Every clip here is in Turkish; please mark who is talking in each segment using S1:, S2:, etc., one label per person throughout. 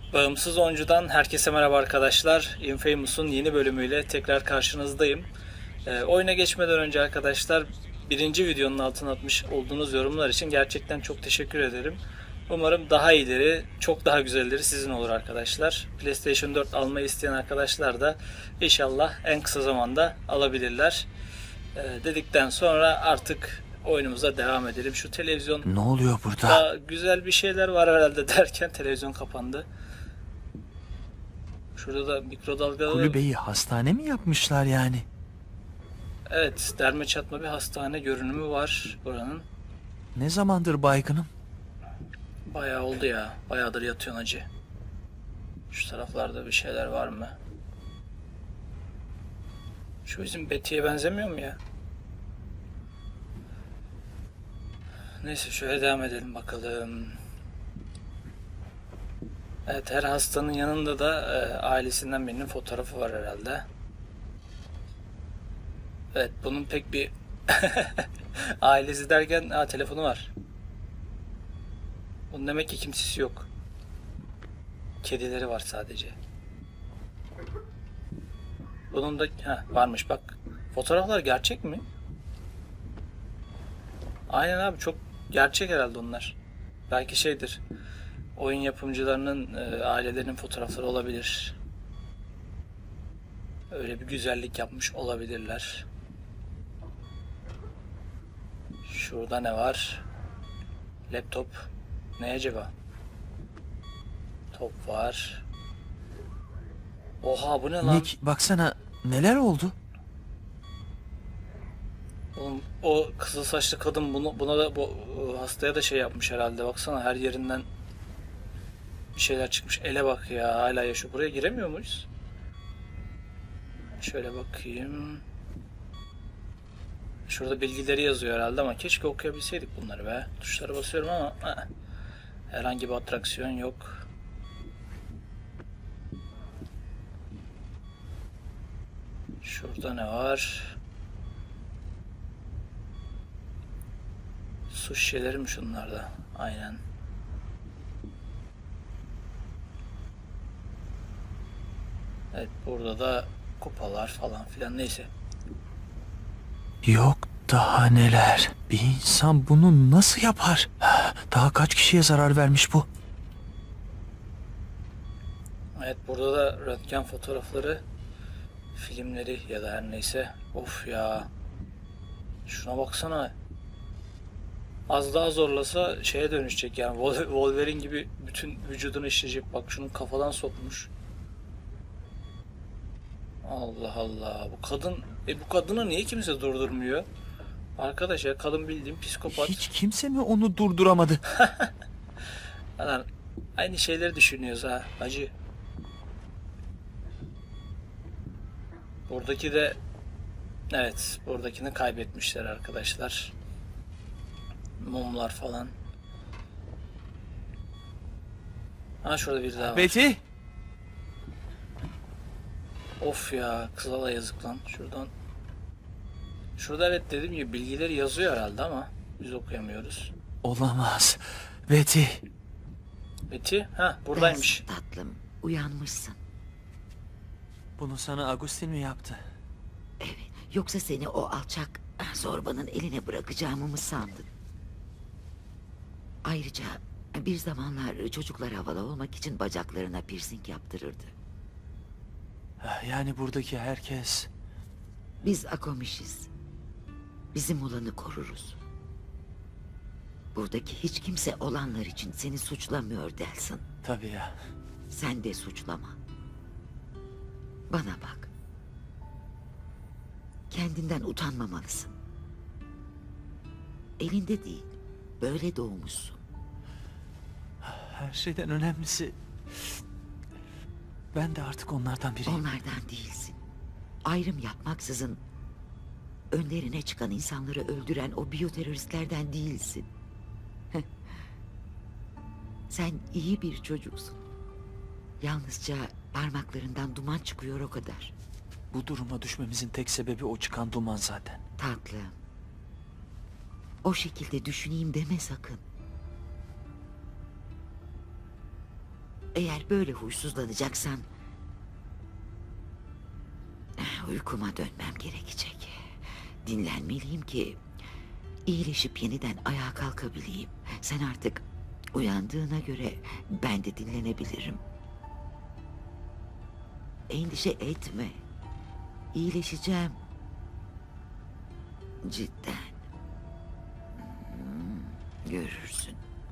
S1: Bağımsız Oyuncu'dan herkese merhaba arkadaşlar. Infamous'un yeni bölümüyle tekrar karşınızdayım. Oyuna geçmeden önce arkadaşlar birinci videonun altına atmış olduğunuz yorumlar için gerçekten çok teşekkür ederim. Umarım daha iyileri, çok daha güzelleri sizin olur arkadaşlar. PlayStation 4 almayı isteyen arkadaşlar da inşallah en kısa zamanda alabilirler. Dedikten sonra artık oyunumuza devam edelim. Şu televizyon
S2: Ne oluyor burada?
S1: da güzel bir şeyler var herhalde derken televizyon kapandı. Şurada da mikrodalgalı...
S2: Kulübeyi hastane mi yapmışlar yani?
S1: Evet, derme çatma bir hastane görünümü var buranın.
S2: Ne zamandır baygınım?
S1: Bayağı oldu ya. Bayağıdır yatıyorsun hacı. Şu taraflarda bir şeyler var mı? Şu bizim Betty'ye benzemiyor mu ya? Neyse şöyle devam edelim bakalım. Evet, her hastanın yanında da ailesinden birinin fotoğrafı var herhalde. Evet, bunun pek bir ailesi derken telefonu var. Bunun demek ki kimsesi yok. Kedileri var sadece. Bunun da varmış bak. Fotoğraflar gerçek mi? Aynen abi, çok gerçek herhalde onlar. Belki şeydir. Oyun yapımcılarının ailelerinin fotoğrafları olabilir. Öyle bir güzellik yapmış olabilirler. Şurada ne var? Laptop. Ne acaba? Top var. Oha, bu ne lan?
S2: Nick, baksana neler oldu?
S1: Oğlum, o kızıl saçlı kadın buna da bu hastaya da şey yapmış herhalde. Baksana, her yerinden bir şeyler çıkmış. Ele bak ya, hala yaşıyor. Buraya giremiyor muyuz? Şöyle bakayım. Şurada bilgileri yazıyor herhalde ama keşke okuyabilseydik bunları be. Tuşlara basıyorum ama herhangi bir atraksiyon yok. Şurada ne var? Su şişeleri mi şunlarda? Aynen. Evet, burada da kupalar falan filan, neyse.
S2: Yok daha neler. Bir insan bunu nasıl yapar? Daha kaç kişiye zarar vermiş bu?
S1: Evet, burada da röntgen fotoğrafları, filmleri ya da her neyse. Of ya. Şuna baksana. Az daha zorlasa şeye dönüşecek yani. Wolverine gibi bütün vücudunu işleyecek. Bak, şunun kafadan sokmuş. Allah Allah. Bu kadını niye kimse durdurmuyor? Arkadaş ya, kadın bildiğin psikopat.
S2: Hiç kimse mi onu durduramadı?
S1: Lan, aynı şeyleri düşünüyoruz ha hacı. Buradaki de evet, buradakini kaybetmişler arkadaşlar. Mumlar falan. Şurada bir daha var.
S2: Betty!
S1: Of ya, kıza da yazık lan. Şurada evet, dediğim gibi bilgileri yazıyor herhalde ama biz okuyamıyoruz.
S2: Olamaz. Betty!
S1: Betty buradaymış.
S3: Bensin tatlım, uyanmışsın.
S2: Bunu sana Agustin mi yaptı?
S3: Evet, yoksa seni o alçak zorbanın eline bırakacağımı mı sandın? Ayrıca bir zamanlar çocuklar havalı olmak için bacaklarına piercing yaptırırdı.
S2: Yani buradaki herkes...
S3: Biz Akomişiz. Bizim olanı koruruz. Buradaki hiç kimse olanlar için seni suçlamıyor Delsin.
S2: Tabii ya.
S3: Sen de suçlama. Bana bak. Kendinden utanmamalısın. Elinde değil, böyle doğmuşsun.
S2: Her şeyden önemlisi... Ben de artık onlardan biriyim.
S3: Onlardan değilsin. Ayrım yapmaksızın önlerine çıkan insanları öldüren o biyoteröristlerden değilsin. Sen iyi bir çocuksun. Yalnızca parmaklarından duman çıkıyor, o kadar.
S2: Bu duruma düşmemizin tek sebebi o çıkan duman zaten.
S3: Tatlım. O şekilde düşüneyim deme sakın. Eğer böyle huysuzlanacaksan uykuma dönmem gerekecek. Dinlenmeliyim ki iyileşip yeniden ayağa kalkabileyim. Sen artık uyandığına göre ben de dinlenebilirim. Endişe etme. İyileşeceğim. Cidden. Görürsün.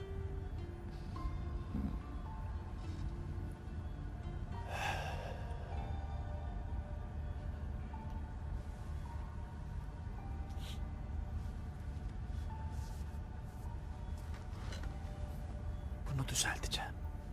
S2: Bunu düzelteceğim.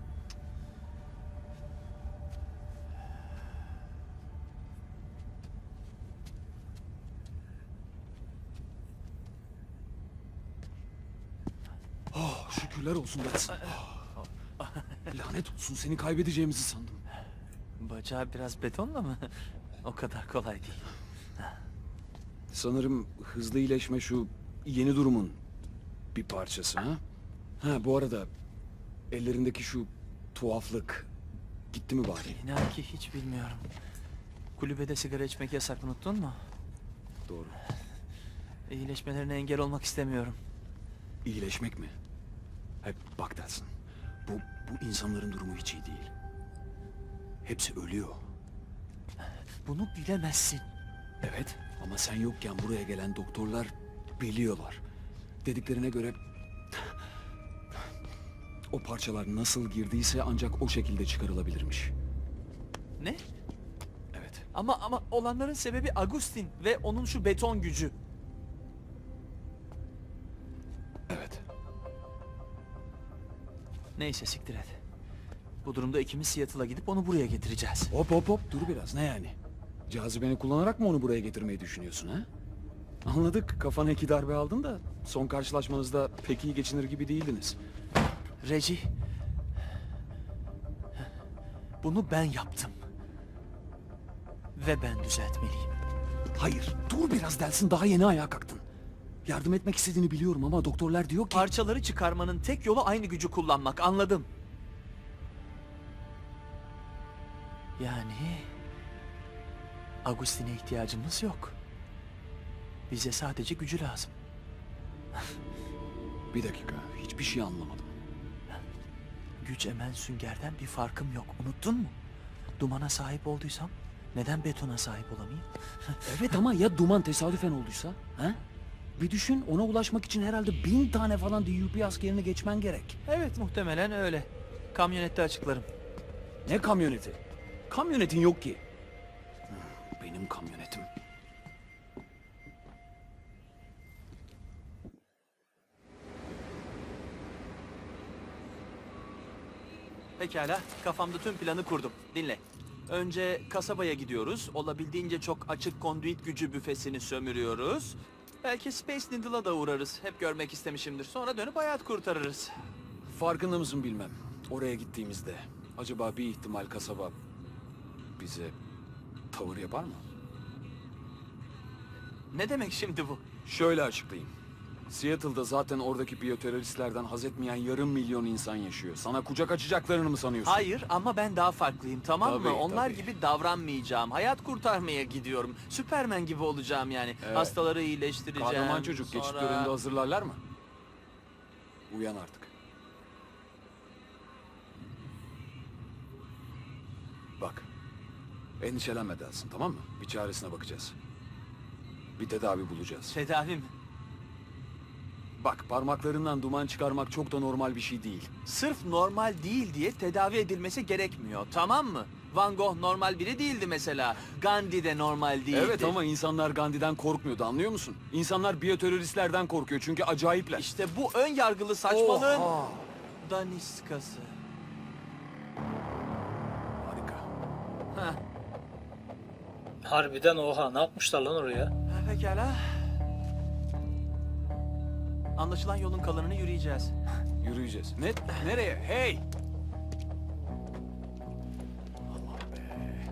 S4: Oh, şükürler olsun Watson. Lanet olsun, seni kaybedeceğimizi sandım.
S2: Bacağı biraz betonla mı? O kadar kolay değil.
S4: Sanırım hızlı iyileşme şu yeni durumun bir parçası ha? Ha, bu arada ellerindeki şu tuhaflık gitti mi bari?
S2: İnan ki hiç bilmiyorum. Kulübede sigara içmek yasak, unuttun mu?
S4: Doğru.
S2: İyileşmelerine engel olmak istemiyorum.
S4: İyileşmek mi? Hep bak dersin. Bu insanların durumu hiç iyi değil. Hepsi ölüyor.
S2: Bunu bilemezsin.
S4: Evet, ama sen yokken buraya gelen doktorlar biliyorlar. Dediklerine göre o parçalar nasıl girdiyse ancak o şekilde çıkarılabilirmiş.
S2: Ne?
S4: Evet.
S2: Ama olanların sebebi Agustin ve onun şu beton gücü.
S4: Evet.
S2: Neyse, siktir et. Bu durumda ikimiz Seattle'a gidip onu buraya getireceğiz.
S4: Hop dur biraz, ne yani? Cazibeni kullanarak mı onu buraya getirmeyi düşünüyorsun ha? Anladık, kafana 2 darbe aldın da son karşılaşmanızda pek iyi geçinir gibi değildiniz.
S2: Reggie, bunu ben yaptım. Ve ben düzeltmeliyim.
S4: Hayır, dur biraz Delsin, daha yeni ayağa kalktın. Yardım etmek istediğini biliyorum ama doktorlar diyor ki...
S2: Parçaları çıkarmanın tek yolu aynı gücü kullanmak, anladım. Yani... Agustin'e ihtiyacımız yok. Bize sadece gücü lazım.
S4: Bir dakika, hiçbir şey anlamadım.
S2: Güç emen süngerden bir farkım yok, unuttun mu? Dumana sahip olduysam neden betona sahip olamayayım?
S4: Evet ama ya duman tesadüfen olduysa? Ha? Bir düşün, ona ulaşmak için herhalde 1000 tane falan DUP askerini geçmen gerek.
S2: Evet, muhtemelen öyle. Kamyonette açıklarım.
S4: Ne kamyoneti? Kamyonetin yok ki. Benim kamyonetim.
S2: Pekala, kafamda tüm planı kurdum. Dinle. Önce kasabaya gidiyoruz. Olabildiğince çok açık konduit gücü büfesini sömürüyoruz. Belki Space Needle'a da uğrarız. Hep görmek istemişimdir. Sonra dönüp hayat kurtarırız.
S4: Farkında mısın bilmem. Oraya gittiğimizde acaba bir ihtimal kasaba bize tavır yapar mı?
S2: Ne demek şimdi bu?
S4: Şöyle açıklayayım. Seattle'da zaten oradaki biyoteröristlerden haz etmeyen 500.000 insan yaşıyor. Sana kucak açacaklarını mı sanıyorsun?
S2: Hayır, ama ben daha farklıyım, tamam
S4: Tabii,
S2: mı? Onlar
S4: tabii.
S2: gibi davranmayacağım. Hayat kurtarmaya gidiyorum. Süpermen gibi olacağım yani.
S4: Evet.
S2: Hastaları iyileştireceğim.
S4: Kahraman çocuk geçit
S2: sonra-
S4: töreninde hazırlarlar mı? Uyan artık. Bak. Endişelenme Delsin, tamam mı? Bir çaresine bakacağız. Bir tedavi bulacağız.
S2: Tedavim.
S4: Bak, parmaklarından duman çıkarmak çok da normal bir şey değil.
S2: Sırf normal değil diye tedavi edilmesi gerekmiyor, tamam mı? Van Gogh normal biri değildi mesela. Gandhi de normal değildi.
S4: Evet ama insanlar Gandhi'den korkmuyordu, anlıyor musun? İnsanlar biyoteröristlerden korkuyor çünkü acayipler.
S2: İşte bu ön yargılı saçmalığın
S4: Oha!
S2: daniskası.
S4: Harika.
S2: Heh.
S1: Harbiden oha, ne yapmışlar lan oraya?
S2: Pekala. Anlaşılan yolun kalanını yürüyeceğiz.
S4: Yürüyeceğiz. Ne? Nereye? Hey! Allah be.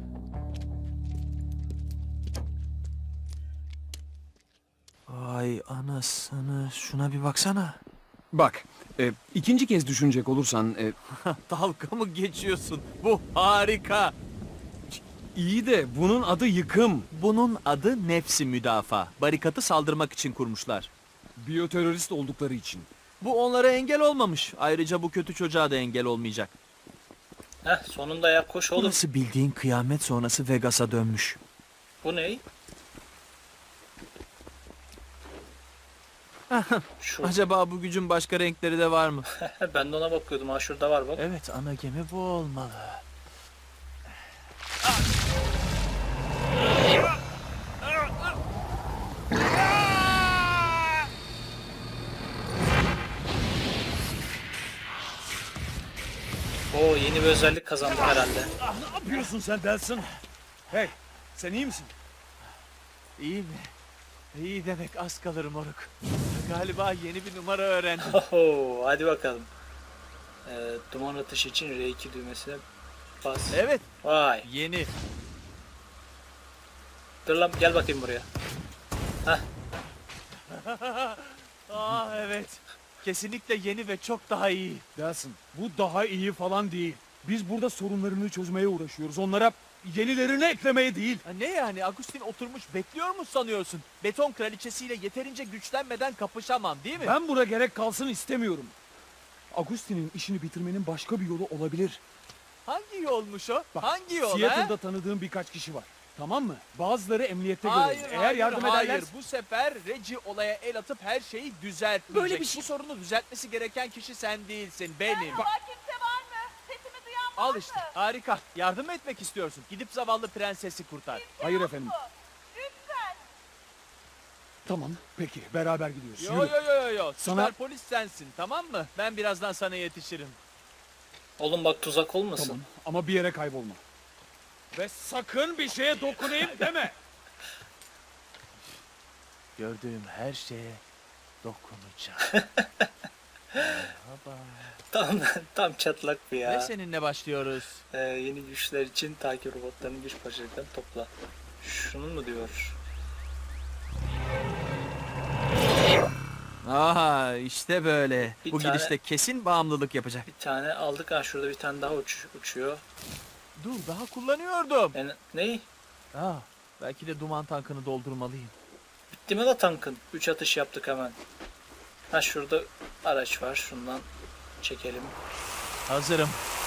S2: Vay anasını, şuna bir baksana.
S4: Bak, ikinci kez düşünecek olursan
S2: Dalga mı geçiyorsun? Bu harika.
S4: iyi de bunun adı yıkım.
S2: Bunun adı nefsi müdafaa. Barikatı saldırmak için kurmuşlar.
S4: Biyoterörist oldukları için.
S2: Bu onlara engel olmamış. Ayrıca bu kötü çocuğa da engel olmayacak.
S1: Heh, sonunda ya koş oğlum.
S2: Burası bildiğin kıyamet sonrası Vegas'a dönmüş.
S1: Bu ne? Şu.
S2: Acaba bu gücün başka renkleri de var mı?
S1: Ben de ona bakıyordum. Ha şurada var bak.
S2: Evet, ana gemi bu olmalı.
S1: Oo, yeni bir özellik kazandık herhalde.
S4: Ne yapıyorsun sen Delsin? Hey, sen iyi misin?
S2: İyi mi? İyi demek az kalır moruk. Galiba yeni bir numara öğrendim.
S1: Oho, hadi bakalım. Duman atışı için R2 düğmesine bas.
S2: Evet,
S1: Vay.
S2: yeni.
S1: Dur lan, gel bakayım buraya.
S2: Evet. Kesinlikle yeni ve çok daha iyi.
S4: Delsin, bu daha iyi falan değil. Biz burada sorunlarını çözmeye uğraşıyoruz. Onlara yenilerini eklemeye değil.
S2: Ha, ne yani? Agustin oturmuş bekliyor mu sanıyorsun? Beton kraliçesiyle yeterince güçlenmeden kapışamam değil mi?
S4: Ben buna gerek kalsın istemiyorum. Agustin'in işini bitirmenin başka bir yolu olabilir.
S2: Hangi yolmuş o?
S4: Bak,
S2: Hangi yol
S4: Seattle'da
S2: ha?
S4: tanıdığım birkaç kişi var. Tamam mı? Bazıları emniyette
S2: Hayır,
S4: görevli. Eğer
S2: hayır,
S4: yardım
S2: hayır.
S4: ederler...
S2: Bu sefer Reggie olaya el atıp her şeyi düzeltmeyecek.
S4: Böyle bir şey-
S2: Bu sorunu düzeltmesi gereken kişi sen değilsin, benim.
S5: Merhaba, kimse var mı? Sesimi duyan var
S2: Al
S5: mı?
S2: işte, harika. Yardım mı etmek istiyorsun? Gidip zavallı prensesi kurtar.
S4: Hayır efendim.
S5: Lütfen.
S4: Tamam, peki. Beraber gidiyoruz.
S2: Yo
S4: Yürü.
S2: yo yo yo yo.
S4: Sana-
S2: Süper polis sensin, tamam mı? Ben birazdan sana yetişirim.
S1: Oğlum bak, tuzak olmasın.
S4: Tamam ama bir yere kaybolma. Ve sakın bir şeye dokunayım deme.
S2: Gördüğüm her şeye dokunacağım.
S1: Tam çatlak bir ya.
S2: Ve seninle başlıyoruz.
S1: Yeni güçler için takip robotlarının güç parçalarını topla. Şunu mu diyor?
S2: Aha işte böyle.
S1: Bir
S2: Bu
S1: tane-
S2: gidişle kesin bağımlılık yapacak.
S1: Bir tane aldık. Ha şurada bir tane daha uçuyor.
S2: Dur daha kullanıyordum.
S1: Ne?
S2: Belki de duman tankını doldurmalıyım.
S1: Bitti mi la tankın? 3 atış yaptık hemen. Ha şurada araç var. Şundan çekelim.
S2: Hazırım.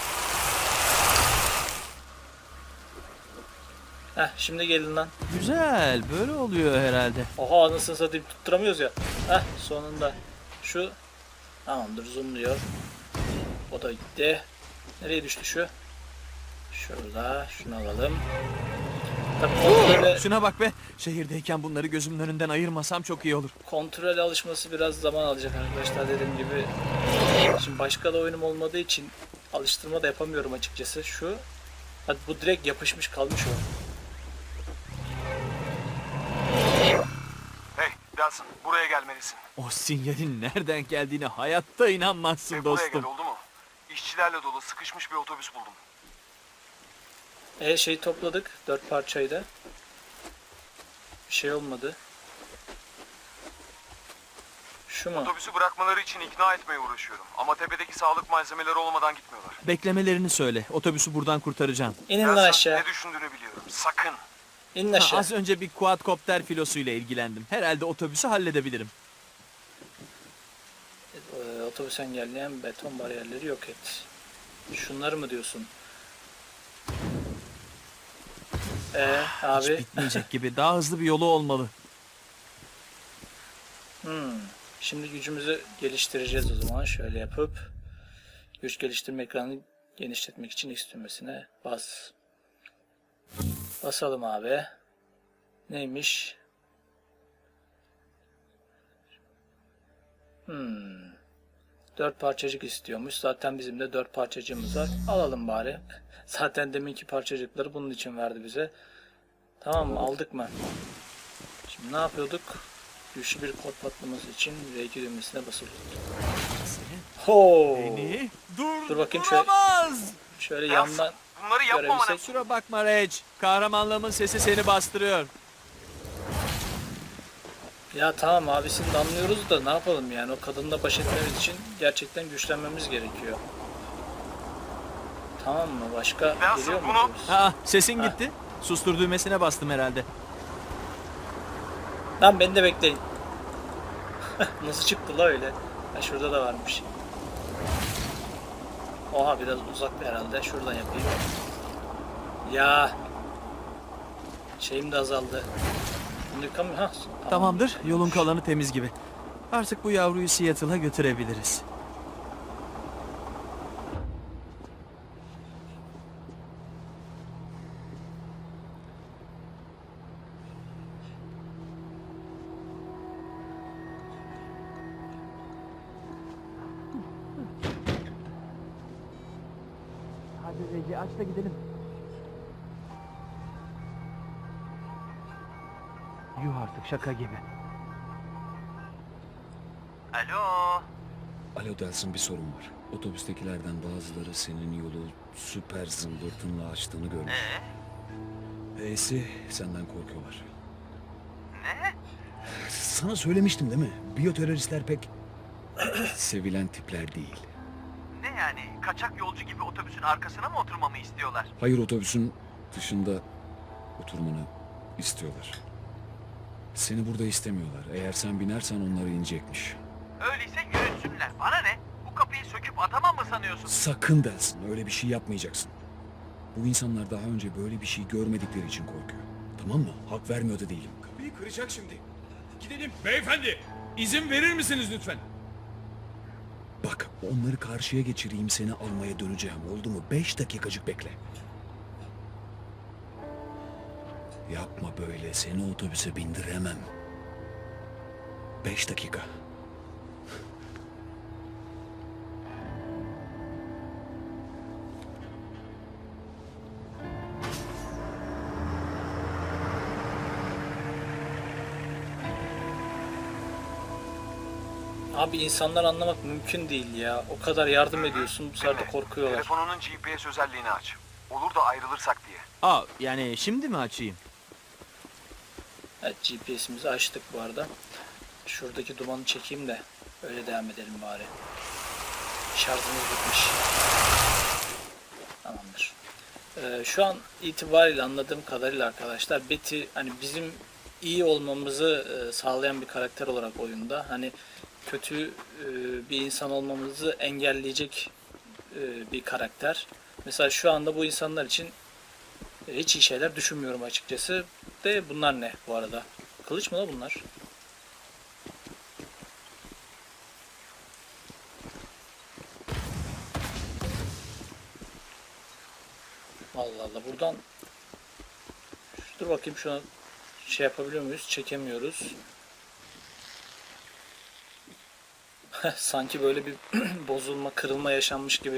S1: Heh, şimdi gelin lan.
S2: Güzel böyle oluyor herhalde.
S1: Oha, anasını satayım, tutturamıyoruz ya. Heh, sonunda. Şu. Tamamdır, zoomluyor. O da gitti. Nereye düştü şu? Şurada. Şunu alalım. Tabii
S2: Şuna bak be. Şehirdeyken bunları gözümün önünden ayırmasam çok iyi olur.
S1: kontrol alışması biraz zaman alacak arkadaşlar, dediğim gibi. Şimdi başka da oyunum olmadığı için alıştırma da yapamıyorum açıkçası. Şu. Hadi, bu direkt yapışmış kalmış o.
S6: Hey Delsin, buraya gelmelisin.
S2: O sinyalin nereden geldiğine hayatta inanmazsın
S6: Ve buraya
S2: dostum.
S6: gel, oldu mu? İşçilerle dolu sıkışmış bir otobüs buldum.
S1: Şeyi topladık. 4 parçayı da. Bir şey olmadı. Şu mu?
S6: Otobüsü bırakmaları için ikna etmeye uğraşıyorum. Ama tepedeki sağlık malzemeleri olmadan gitmiyorlar.
S2: Beklemelerini söyle. Otobüsü buradan kurtaracağım.
S1: İnin lan
S6: Delsin,
S1: aşağı.
S6: ne düşündüğünü biliyorum. Sakın.
S1: İnin aşağı.
S2: Az önce bir quadcopter filosuyla ilgilendim. Herhalde otobüsü halledebilirim.
S1: Otobüs engelleyen beton bariyerleri yok et. Şunları mı diyorsun?
S2: Hiç
S1: Abi.
S2: bitmeyecek gibi. Daha hızlı bir yolu olmalı.
S1: Şimdi gücümüzü geliştireceğiz o zaman. Şöyle yapıp güç geliştirme ekranını genişletmek için X düğmesine bas. Basalım abi. Neymiş? 4 parçacık istiyormuş. Zaten bizim de 4 parçacığımız var. Alalım bari. Zaten deminki parçacıkları bunun için verdi bize. Tamam mı? Aldık mı? Şimdi ne yapıyorduk? Güçlü bir kod patlaması için R2 düğmesine basılı tut. Ho!
S2: Beni
S1: Dur bakayım şöyle.
S2: durduramaz.
S1: Şöyle
S6: Delsin,
S1: yandan
S6: bunları yapmamana...
S1: görebilsek.
S2: Kusura bakma Reg. Kahramanlığımın sesi seni bastırıyor.
S1: Ya tamam abisini de anlıyoruz da ne yapalım yani, o kadınla baş etmemiz için gerçekten güçlenmemiz gerekiyor. Tamam mı? Başka
S6: Ben
S1: geliyor mu?
S6: bunu-
S1: otobüs?
S2: Aa, sesin gitti. Sustur düğmesine bastım herhalde.
S1: Tamam, beni de bekleyin. Nasıl çıktı la öyle? Ha, şurada da varmış. Oha, biraz uzakta herhalde. Şuradan yapayım. Ya. Şeyim de azaldı. Bunu yıkamıyor. Ha, tamam.
S2: Tamamdır. Yolun kalanı temiz gibi. Artık bu yavruyu Seattle'a götürebiliriz. Hadi Reci, aç da gidelim. Yuh artık, şaka gibi.
S6: Alo.
S4: Alo Delsin, bir sorun var. Otobüstekilerden bazıları senin yolu süper zımbırtınla açtığını görmüş. E'si senden korkuyorlar.
S6: Ne?
S4: Sana söylemiştim değil mi? Biyoteröristler pek sevilen tipler değil.
S6: Ne yani? Kaçak yolcu gibi otobüsün arkasına mı oturmamı istiyorlar?
S4: Hayır, otobüsün dışında oturmanı istiyorlar. Seni burada istemiyorlar. Eğer sen binersen onları inecekmiş.
S6: Öyleyse yürütsünler. Bana ne? Bu kapıyı söküp atamam mı sanıyorsun?
S4: Sakın Delsin, öyle bir şey yapmayacaksın. Bu insanlar daha önce böyle bir şey görmedikleri için korkuyor. Tamam mı? Hak vermiyor da değilim.
S7: Kapıyı kıracak şimdi. Gidelim. Beyefendi, izin verir misiniz lütfen?
S4: Bak, onları karşıya geçireyim, seni almaya döneceğim. Oldu mu? 5 dakikacık bekle. Yapma böyle, seni otobüse bindiremem. 5 dakika.
S1: Abi, insanlar anlamak mümkün değil ya. O kadar yardım ediyorsun, bu sefer de korkuyorlar.
S6: Telefonunun GPS özelliğini aç. Olur da ayrılırsak diye.
S2: Aa, yani şimdi mi açayım?
S1: Evet, GPS'imizi açtık bu arada. Şuradaki dumanı çekeyim de öyle devam edelim bari. Şarjımız bitmiş. Tamamdır. Şu an itibariyle anladığım kadarıyla arkadaşlar, Betty hani bizim iyi olmamızı sağlayan bir karakter olarak oyunda. Hani kötü bir insan olmamızı engelleyecek bir karakter. Mesela şu anda bu insanlar için hiç iyi şeyler düşünmüyorum açıkçası. De bunlar ne bu arada? Kılıç mı la bunlar? Allah Allah, buradan dur bakayım, şu an şey yapabiliyor muyuz? Çekemiyoruz. Sanki böyle bir bozulma, kırılma yaşanmış gibi.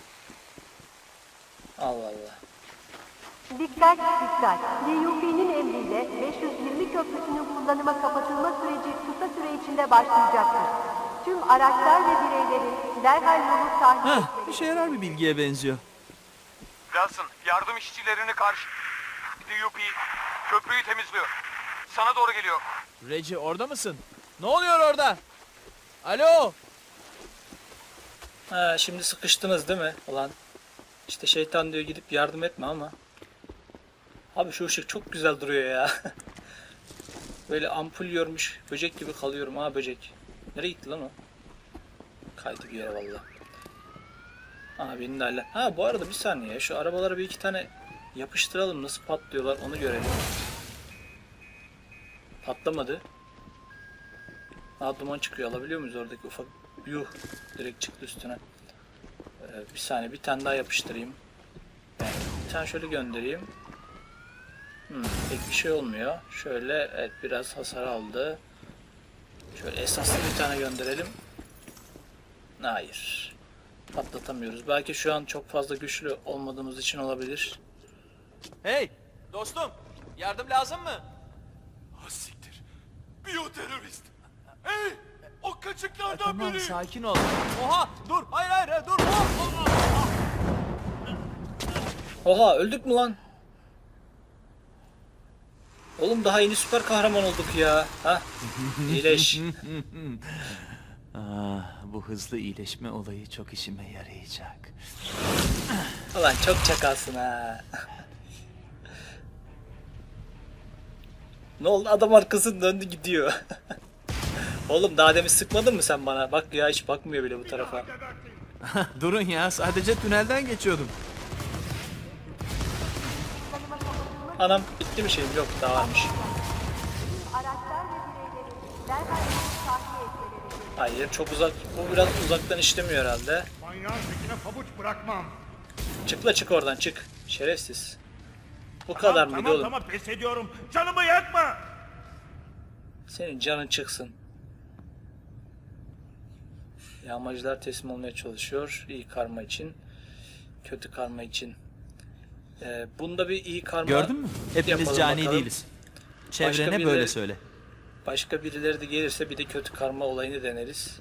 S1: Allah Allah.
S8: Dikkat dikkat. DUP'nin emriyle 520 köprüsünün kullanıma kapatılma süreci kısa süre içinde başlayacaktır. Tüm araçlar ve bireylerin derhal yolu tahliye
S2: Heh,
S8: etmeli.
S2: işe yarar bir bilgiye benziyor.
S6: Wilson, yardım işçilerini karşı... DUP köprüyü temizliyor. Sana doğru geliyor.
S2: Reci, orada mısın? Ne oluyor orada? Alo?
S1: Ha, şimdi sıkıştınız değil mi? Ulan işte şeytan diyor gidip yardım etme ama. Abi şu ışık çok güzel duruyor ya. Böyle ampul yormuş böcek gibi kalıyorum ha, böcek. Nereye gitti lan o? Kaydı bir yere valla. Abinin de hala. Ha, bu arada bir saniye, şu arabalara bir iki tane yapıştıralım, nasıl patlıyorlar onu görelim. Patlamadı. Duman çıkıyor, alabiliyor muyuz oradaki ufak? Yuh, direkt çıktı üstüne. Bir saniye, bir tane daha yapıştırayım. Yani bir tane şöyle göndereyim. Pek bir şey olmuyor. Şöyle, evet, biraz hasar aldı. Şöyle esaslı bir tane gönderelim. Hayır. Patlatamıyoruz. Belki şu an çok fazla güçlü olmadığımız için olabilir.
S2: Hey, dostum. Yardım lazım mı?
S7: Ah siktir. Biyoterörist. Hey! O kaçıklardan
S2: Tamam,
S7: biri.
S2: sakin ol. Oha, dur. Hayır, hayır, dur. Oh!
S1: Oha, öldük mü lan? Oğlum daha yeni süper kahraman olduk ya. Ha? İyileş.
S2: Bu hızlı iyileşme olayı çok işime yarayacak.
S1: Ulan çok çakalsın ha. Ne oldu? Adam arkasını döndü gidiyor. Oğlum daha demin sıkmadın mı sen bana? Bak ya hiç bakmıyor bile bu tarafa.
S2: Durun ya, sadece tünelden geçiyordum.
S1: Anam bitti mi şeyim? Yok daha varmış.
S8: Araçlar ve bireylerin derhal tahliye etmeleri gerekiyor.
S1: Hayır çok uzak. Bu biraz uzaktan işlemiyor herhalde.
S7: Manyağın tekine pabuç bırakmam.
S1: Çıkla çık oradan çık. Şerefsiz. Bu kadar mıydı oğlum?
S7: Tamam pes ediyorum. Canımı yakma.
S1: Senin canın çıksın. Yağmacılar teslim olmaya çalışıyor. İyi karma için. Kötü karma için. Bunda bir iyi karma
S2: Gördün mü? Hepimiz
S1: yapalım
S2: cani
S1: bakalım.
S2: değiliz. Çevrene
S1: birileri-
S2: böyle söyle.
S1: Başka birileri de gelirse bir de kötü karma olayını deneriz.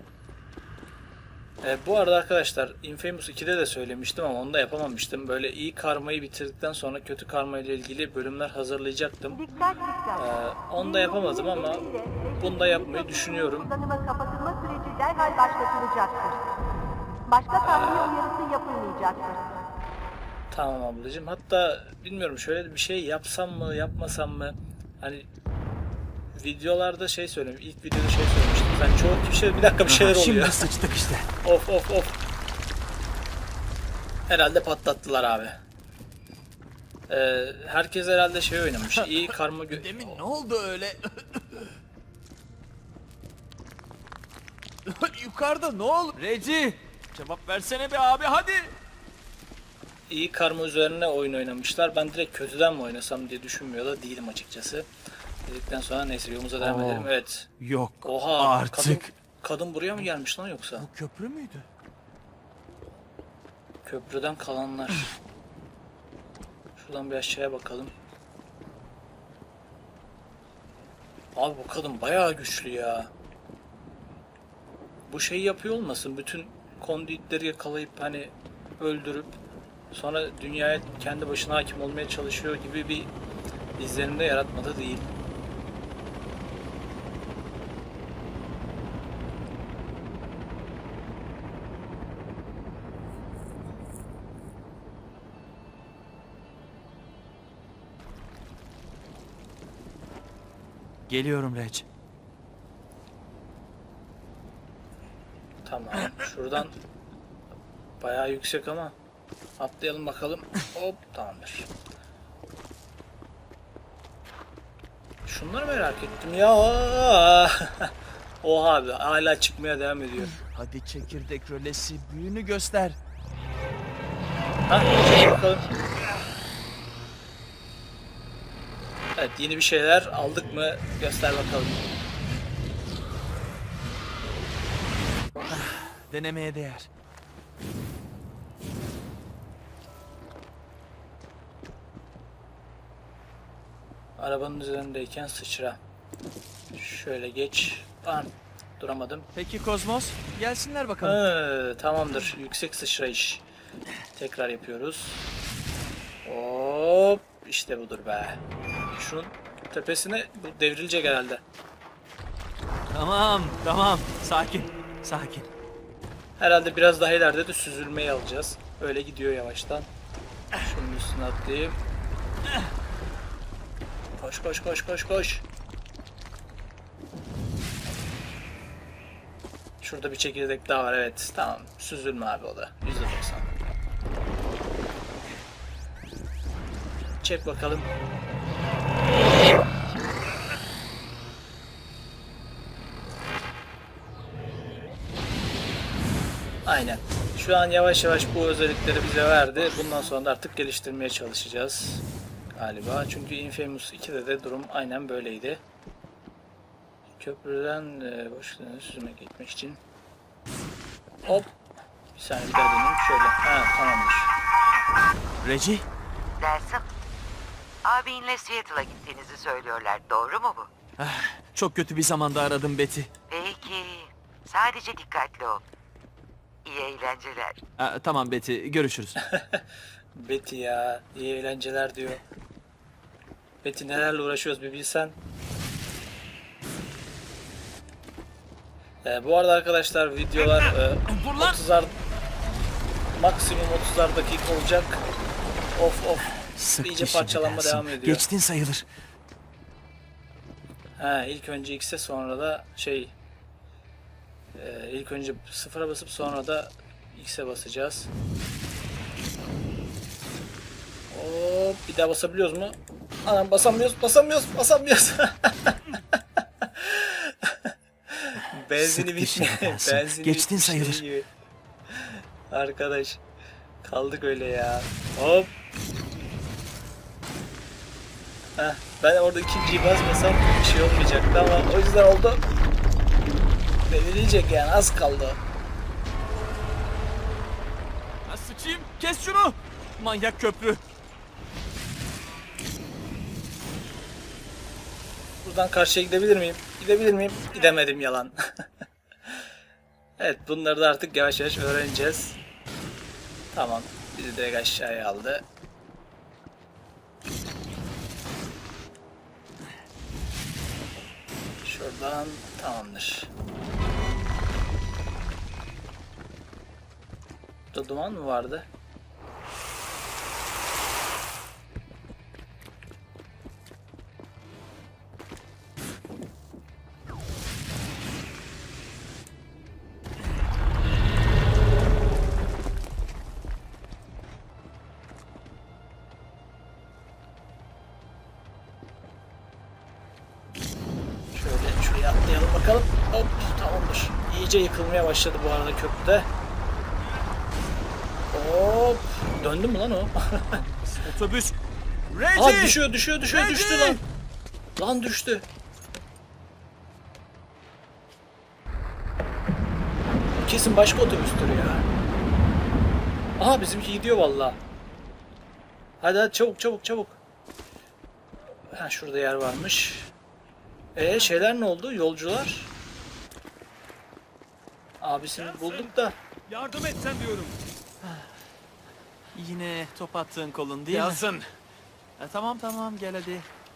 S1: Bu arada arkadaşlar Infamous 2'de de söylemiştim ama onu da yapamamıştım. Böyle iyi karmayı bitirdikten sonra kötü karma ile ilgili bölümler hazırlayacaktım.
S8: Dikkat dikkat.
S1: Onu da yapamadım ama bunu da yapmayı düşünüyorum.
S8: Kullanıma kapatılma süreci derhal başlatılacaktır. Başka tahliye uyarısı yapılmayacaktır.
S1: Tamam ablacığım. Hatta bilmiyorum şöyle bir şey yapsam mı yapmasam mı? Hani videolarda şey söyleyeyim. İlk videoda şey söylemiştim. Sen çoğu kişi bir dakika bir şeyler oluyor.
S2: Şimdi sıçtık işte.
S1: Of of of. Herhalde patlattılar abi. Herkes herhalde şey oynamış. İyi karma
S2: Demin ne oldu öyle? Yukarıda ne oldu? Reci! Cevap versene be abi hadi!
S1: iyi karma üzerine oyun oynamışlar. Ben direkt kötüden mi oynasam diye düşünmüyor da değilim açıkçası. Dedikten sonra neyse yolumuza devam
S2: Oo.
S1: edelim. Evet.
S2: Yok
S1: Oha.
S2: artık.
S1: Kadın buraya mı gelmiş lan yoksa?
S2: Bu köprü müydü?
S1: Köprüden kalanlar. Şuradan bir aşağıya bakalım. Abi bu kadın bayağı güçlü ya. Bu şeyi yapıyor olmasın? Bütün konduitleri yakalayıp hani öldürüp sonra dünyaya kendi başına hakim olmaya çalışıyor gibi bir izlenimde yaratmadı değil.
S2: Geliyorum Rec.
S1: Tamam. Şuradan bayağı yüksek ama atlayalım bakalım. Hop tamamdır. Şunları merak ettim ya. Oha abi hala çıkmaya devam ediyor.
S2: Hadi çekirdek rölesi büyüğünü göster.
S1: Ha, çek bakalım. Evet yeni bir şeyler aldık mı göster bakalım.
S2: Denemeye değer.
S1: Arabanın üzerindeyken sıçra. Şöyle geç. Bam. Duramadım.
S2: Peki Kozmos, gelsinler bakalım.
S1: Tamamdır. Yüksek sıçrayış. Tekrar yapıyoruz. Hop. İşte budur be. Şunun tepesine bu devrilecek herhalde.
S2: Tamam. Sakin.
S1: Herhalde biraz daha ileride de süzülmeyi alacağız. Öyle gidiyor yavaştan. Şunun üstüne atlayayım. Koş. Şurada bir çekirdek daha var evet. Tamam. Süzülme abi o da. %90. Çek bakalım. Aynen. Şu an yavaş yavaş bu özellikleri bize verdi. Bundan sonra da artık geliştirmeye çalışacağız. Galiba. Çünkü Infamous 2'de de durum aynen böyleydi. Köprüden boşluğunu süzmek gitmek için. Hop. Bir saniye bir daha döneyim. Şöyle. Ha tamamdır.
S2: Reci,
S3: Dersim. Abinle Seattle'a gittiğinizi söylüyorlar. Doğru mu bu?
S2: çok kötü bir zamanda aradım Betty.
S3: Peki. Sadece dikkatli ol. İyi eğlenceler.
S2: Tamam Betty, görüşürüz.
S1: Betty ya. İyi eğlenceler diyor. Metin nelerle uğraşıyoruz bir bilsen. Bu arada arkadaşlar videolar 30'ar maksimum 30'ar dakika olacak. Of. İyice parçalanma devam ediyor.
S2: Geçtin sayılır.
S1: İlk önce X'e sonra da ilk önce sıfıra basıp sonra da X'e basacağız. Hop, bir daha basabiliyoruz mu? Anam basamıyoruz. Benzini bitmiyor. Benzini
S2: Geçtin
S1: bitmiş
S2: sayılır.
S1: gibi. Arkadaş kaldık öyle ya. Hop. Ben orada ikinciyi basmasam bir şey olmayacaktı ama o yüzden oldu. Devrilecek yani, az kaldı.
S2: Ha, sıçayım, kes şunu. Manyak köprü.
S1: Buradan karşıya gidebilir miyim? Gidemedim, yalan. Evet, bunları da artık yavaş yavaş öğreneceğiz. Tamam, bizi direkt aşağıya aldı. Şuradan tamamdır. Burada duman mı vardı? Şuraya atlayalım bakalım. Hop, tamamdır. İyice yıkılmaya başladı bu arada köprüde. Hop. Döndü mü lan o?
S2: Otobüs.
S1: Düştü lan. Lan düştü. Kesin başka otobüstür ya. Aha, bizimki gidiyor vallahi. Hadi çabuk. Şurada yer varmış. Şeyler ne oldu? Yolcular. Abisini bulduk da.
S7: Yardım etsen diyorum.
S2: Yine top attığın kolun değil mi?
S7: Yansın.
S2: Tamam gel hadi.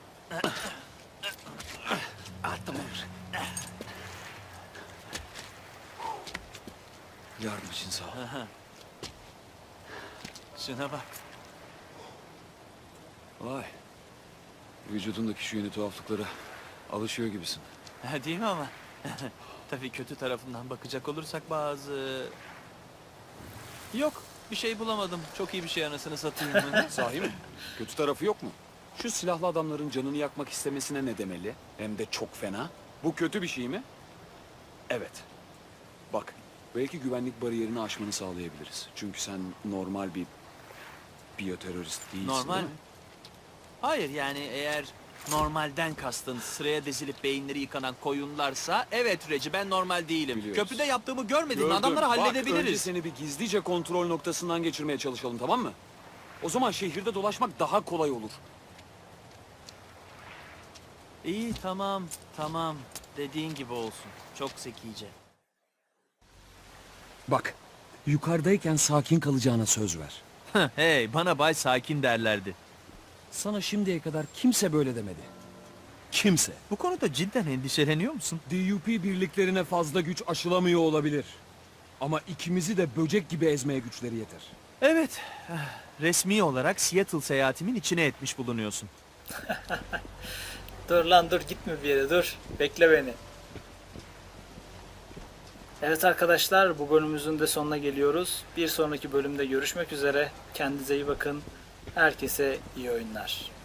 S4: Yardım için sağ ol.
S2: Şuna bak.
S4: Vay. Vücudundaki şu yeni tuhaflıklara alışıyor gibisin.
S2: Değil mi ama? Tabii kötü tarafından bakacak olursak bazı... Yok, bir şey bulamadım. Çok iyi bir şey, anasını satayım.
S4: Sahi mi? Kötü tarafı yok mu? Şu silahlı adamların canını yakmak istemesine ne demeli? Hem de çok fena. Bu kötü bir şey mi? Evet. Bak, belki güvenlik bariyerini aşmanı sağlayabiliriz. Çünkü sen normal bir biyoterörist değilsin,
S2: Normal
S4: değil
S2: mi?
S4: mi?
S2: Hayır, yani eğer normalden kastın sıraya dizilip beyinleri yıkanan koyunlarsa evet Reci, ben normal değilim.
S4: Biliyoruz.
S2: Köprüde yaptığımı görmedin mi?
S4: Gördüm.
S2: Adamları
S4: Bak, önce
S2: halledebiliriz.
S4: seni bir gizlice kontrol noktasından geçirmeye çalışalım, tamam mı? O zaman şehirde dolaşmak daha kolay olur.
S2: İyi, tamam. Dediğin gibi olsun. Çok zekice.
S4: Bak, yukarıdayken sakin kalacağına söz ver.
S2: Hey, bana Bay Sakin derlerdi.
S4: Sana şimdiye kadar kimse böyle demedi. Kimse.
S2: Bu konuda cidden endişeleniyor musun?
S4: DUP birliklerine fazla güç aşılamıyor olabilir. Ama ikimizi de böcek gibi ezmeye güçleri yeter.
S2: Evet. Resmi olarak Seattle seyahatimin içine etmiş bulunuyorsun.
S1: Dur lan, gitme bir yere, dur. Bekle beni. Evet arkadaşlar, bu bölümümüzün de sonuna geliyoruz. Bir sonraki bölümde görüşmek üzere. Kendinize iyi bakın. Herkese iyi oyunlar.